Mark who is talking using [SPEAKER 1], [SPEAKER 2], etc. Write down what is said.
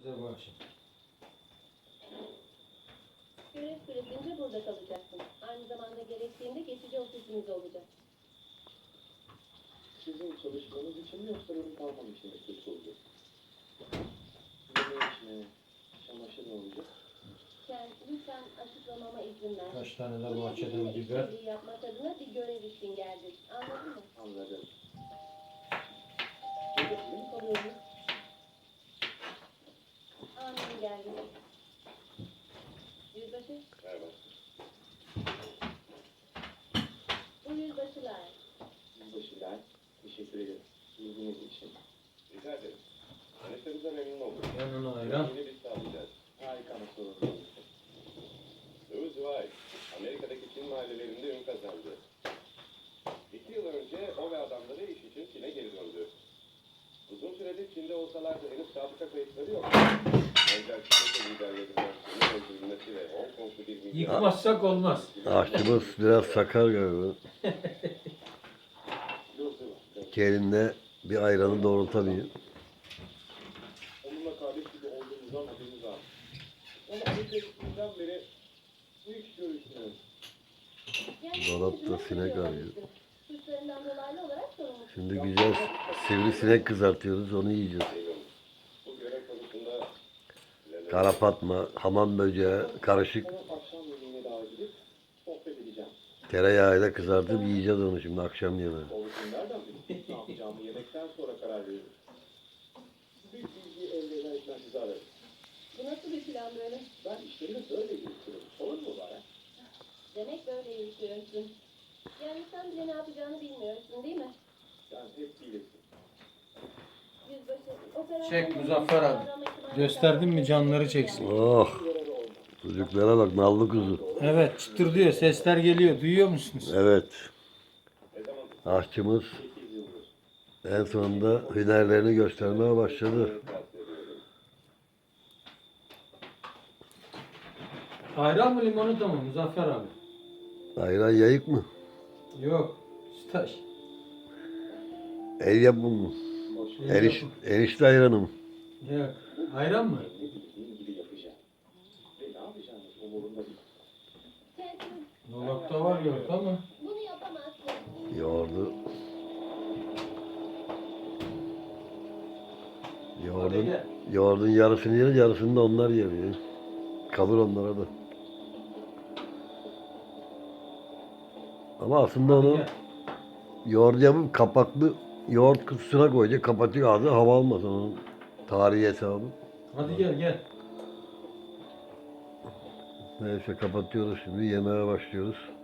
[SPEAKER 1] Size bu akşam.
[SPEAKER 2] Görev süresince burada kalacaksın. Aynı zamanda gerektiğinde geçici ofisimiz olacak.
[SPEAKER 3] Sizin çalışmanız için mi yoksa benim kalmam için mi kötü olacak? Yemeği için mi? Çamaşır mı olacak?
[SPEAKER 2] Sen lütfen açıklamama izin ver.
[SPEAKER 1] Kaç tane de
[SPEAKER 2] Buraya
[SPEAKER 1] bahçeden
[SPEAKER 2] bizimle
[SPEAKER 1] biber.
[SPEAKER 2] işbirliği yapmak adına bir görev için geldik. Anladın mı?
[SPEAKER 3] Anladım. Burada sizin mi kalıyorsunuz?
[SPEAKER 2] Amin geldi. Yüzbaşı,
[SPEAKER 3] Merhaba.
[SPEAKER 2] bu yüzbaşılar.
[SPEAKER 3] Yüzbaşılar. Teşekkür ederim. İlginiz için.
[SPEAKER 4] Rica ederim. Tanıştığımıza memnun oldum.
[SPEAKER 1] Yanına ayran.
[SPEAKER 4] Yeni bir sağlayacağız.
[SPEAKER 3] Harika nasıl olur?
[SPEAKER 4] Louis White, Amerika'daki Çin mahallelerinde ün kazandı. 2 yıl önce o ve adamları iş için Çin'e geri döndü. Uzun süredir Çin'de olsalar da henüz sabıka kayıtları yok. Ancak Çin liderlerinden Çin'in öldürülmesi ve Hong Kong'lu bir milyon...
[SPEAKER 1] Yıkmazsak olmaz.
[SPEAKER 5] Aşçımız biraz sakar galiba. Kelinde bir ayranı doğrultamıyor.
[SPEAKER 3] Onunla kardeş gibi olduğumuzdan haberimiz var. Ama Amerika'ya gittiğimden beri bu iş görüşmüyoruz.
[SPEAKER 5] Dolapta sinek arıyor.
[SPEAKER 2] Suçlarından dolaylı olarak sorumlusun.
[SPEAKER 5] Şimdi güzel sivrisinek kızartıyoruz, onu yiyeceğiz.
[SPEAKER 4] Bu görev konusunda...
[SPEAKER 5] Kara fatma, hamam böceği, karışık
[SPEAKER 3] Sana akşam yemeğine davet edip sohbet edeceğim.
[SPEAKER 5] tereyağıyla kızartıp yiyeceğiz onu şimdi akşam yemeği.
[SPEAKER 3] Olsun nereden bileyim? Ne yapacağımı yemekten sonra karar veririm. Bir bilgi elde ederken sizi ararım.
[SPEAKER 2] Bu nasıl bir plan böyle?
[SPEAKER 3] Ben işlerimi böyle yürütürüm. Sorun mu var?
[SPEAKER 2] Demek böyle yürütüyorsun. Yani sen bile ne yapacağını bilmiyorsun değil mi?
[SPEAKER 3] Yani hep bilirsin.
[SPEAKER 2] Yüzbaşı, operasyon...
[SPEAKER 1] Çek Muzaffer abi. Gösterdin mi canları çeksin.
[SPEAKER 5] Oh! Çocuklara bak, nallı kuzu.
[SPEAKER 1] Evet, çıtır diyor. Sesler geliyor. Duyuyor musunuz?
[SPEAKER 5] Evet. Aşçımız
[SPEAKER 3] 8 yıldır.
[SPEAKER 5] en sonunda hünerlerini göstermeye başladı.
[SPEAKER 1] Ayran mı limonata mı Muzaffer abi?
[SPEAKER 5] Ayran yayık mı?
[SPEAKER 1] Yok. Staj.
[SPEAKER 5] El yapımı mı?
[SPEAKER 1] Yok.
[SPEAKER 5] Erişte ayranı mı?
[SPEAKER 1] Yok. Ayran mı?
[SPEAKER 3] Ne bildiğim gibi yapacağım. Ve ne yapacağınız umurumda değil.
[SPEAKER 2] Sen
[SPEAKER 1] Dolapta var yok ama.
[SPEAKER 2] bunu yapamazsın.
[SPEAKER 5] Yoğurdu.
[SPEAKER 1] Hadi gel.
[SPEAKER 5] Yoğurdun yarısını yeriz, yarısını da onlar yer ya. Kalır onlara da. Ama aslında
[SPEAKER 1] Hadi
[SPEAKER 5] onu
[SPEAKER 1] gel.
[SPEAKER 5] yoğurt yapıp kapaklı yoğurt kutusuna koyacak, kapatıyor ağzı, hava almasın onun tarihi hesabı.
[SPEAKER 1] Hadi gel gel.
[SPEAKER 5] Neyse kapatıyoruz şimdi, yemeğe başlıyoruz.